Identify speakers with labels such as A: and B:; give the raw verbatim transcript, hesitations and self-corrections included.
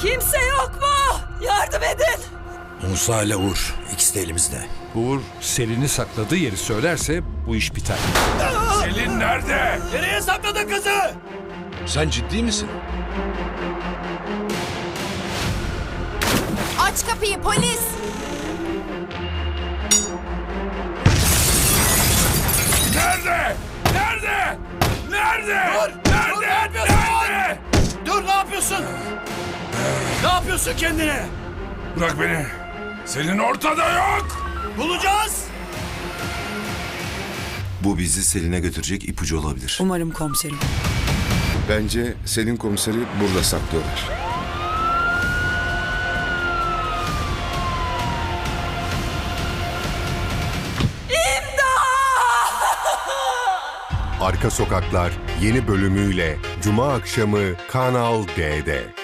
A: Kimse yok mu? Yardım edin.
B: Musa ile Uğur. İkisi de elimizde.
C: Uğur Selin'i sakladığı yeri söylerse bu iş biter.
D: Selin nerede?
B: Nereye sakladın kızı?
D: Sen ciddi misin?
E: Aç kapıyı polis!
D: Nerede? Nerede? Nerede?
B: Dur!
D: Nerede?
B: Dur, ne yapıyorsun?
D: Nerede?
B: Dur, ne yapıyorsun? Ne yapıyorsun kendine?
D: Bırak beni. Selin ortada yok.
B: Bulacağız.
F: Bu bizi Selin'e götürecek ipucu olabilir.
A: Umarım komiserim.
G: Bence Selin komiseri burada saklıyorlar.
H: Arka Sokaklar yeni bölümüyle Cuma akşamı Kanal D'de.